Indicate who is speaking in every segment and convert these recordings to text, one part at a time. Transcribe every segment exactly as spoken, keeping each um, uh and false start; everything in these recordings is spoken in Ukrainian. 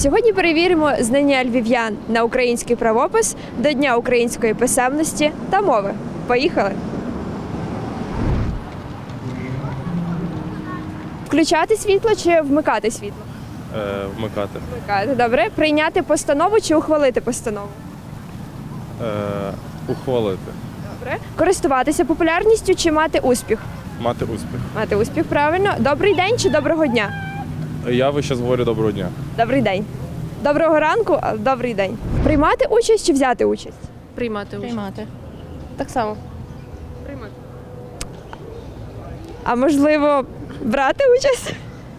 Speaker 1: Сьогодні перевіримо знання львів'ян на український правопис до Дня української писемності та мови. Поїхали! Включати світло чи вмикати світло?
Speaker 2: Е, вмикати.
Speaker 1: Вмикати, добре. Прийняти постанову чи ухвалити постанову?
Speaker 2: Е, ухвалити.
Speaker 1: Добре. Користуватися популярністю чи мати успіх?
Speaker 2: Мати успіх.
Speaker 1: Мати успіх, правильно. Добрий день чи доброго дня?
Speaker 2: Я ви зараз говорю доброго дня.
Speaker 1: Добрий день. Доброго ранку, а добрий день. Приймати участь чи взяти участь?
Speaker 3: Приймати участь.
Speaker 4: Приймати.
Speaker 3: Так само.
Speaker 1: Приймати. А можливо, брати участь?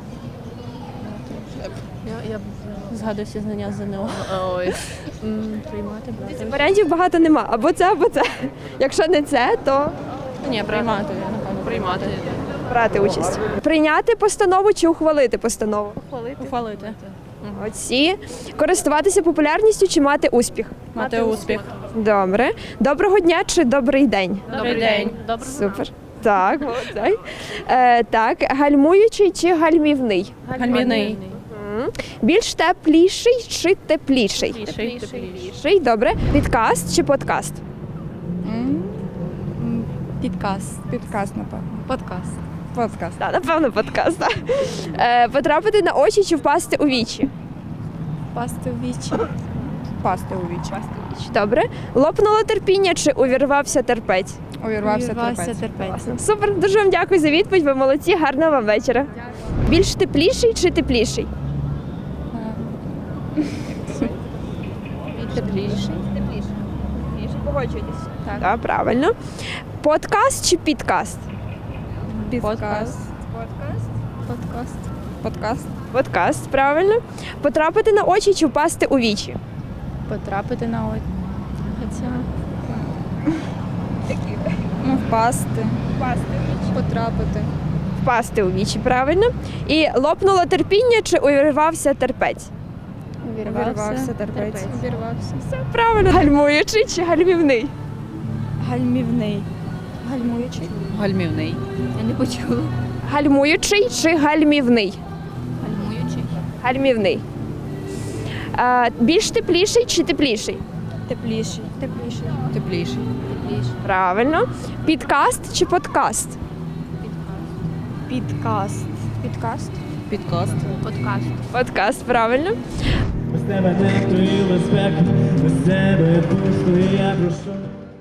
Speaker 3: Я, я б
Speaker 4: Згадую всі знання з ЗНО.
Speaker 3: Ой.
Speaker 4: М, Приймати, брати.
Speaker 1: Варіантів багато нема. Або це, або це. Якщо не це, то
Speaker 4: Ні, приймати, я напевно.
Speaker 3: Приймати.
Speaker 1: брати участь. Прийняти постанову чи ухвалити постанову?
Speaker 4: Ухвалити.
Speaker 1: Оці. Користуватися популярністю чи мати успіх?
Speaker 4: Мати успіх.
Speaker 1: Добре. Доброго дня чи добрий день?
Speaker 4: Добрий день.
Speaker 3: Доброго
Speaker 1: Супер. Так, молодець. Е, так, гальмуючий чи гальмівний?
Speaker 4: Гальмівний.
Speaker 1: М. Більш тепліший чи тепліший?
Speaker 4: Тепліший.
Speaker 1: Тепліший, добре. Підкаст чи подкаст?
Speaker 5: Підкаст. Підкаст, напевно.
Speaker 3: Подкаст.
Speaker 5: Подкаст.
Speaker 1: Так, напевно, подкаст. Так. Е, потрапити на очі чи впасти у вічі?
Speaker 5: Пасти у вічі. Пасти у вічі.
Speaker 1: Добре. Лопнуло терпіння чи увірвався терпець?
Speaker 5: Увірвався терпець.
Speaker 4: терпець.
Speaker 1: Супер, дуже вам дякую за відповідь. Ви молодці, гарного вам вечора. Більш тепліший чи тепліший?
Speaker 4: Тепліший.
Speaker 1: Тепліший. Погоджуєтесь? Так. Так, правильно. Подкаст чи підкаст?
Speaker 5: Подкаст.
Speaker 1: Подкаст.
Speaker 5: Подкаст.
Speaker 1: Подкаст, правильно. Потрапити на очі чи впасти у вічі?
Speaker 4: Потрапити на очі. Хоча...
Speaker 5: Ну, впасти.
Speaker 1: Впасти у вічі.
Speaker 5: Потрапити.
Speaker 1: Впасти у вічі, правильно. І лопнуло терпіння чи увірвався терпець?
Speaker 5: Увірвався терпець.
Speaker 4: Увірвався.
Speaker 1: Все правильно. Гальмуючий чи гальмівний?
Speaker 5: Гальмівний. Гальмуючий.
Speaker 4: Гальмівний. Я не почула.
Speaker 1: Гальмуючий чи гальмівний?
Speaker 4: Гальмуючий.
Speaker 1: Гальмівний. А, більш тепліший чи тепліший?
Speaker 5: Тепліший. Тепліший.
Speaker 4: Тепліший. Тепліший.
Speaker 1: Правильно. Підкаст чи подкаст?
Speaker 5: Підкаст. Підкаст.
Speaker 4: Підкаст. Подкаст.
Speaker 1: Подкаст, правильно.
Speaker 6: Без тебе не респект, без тебе пусто, і я прошу.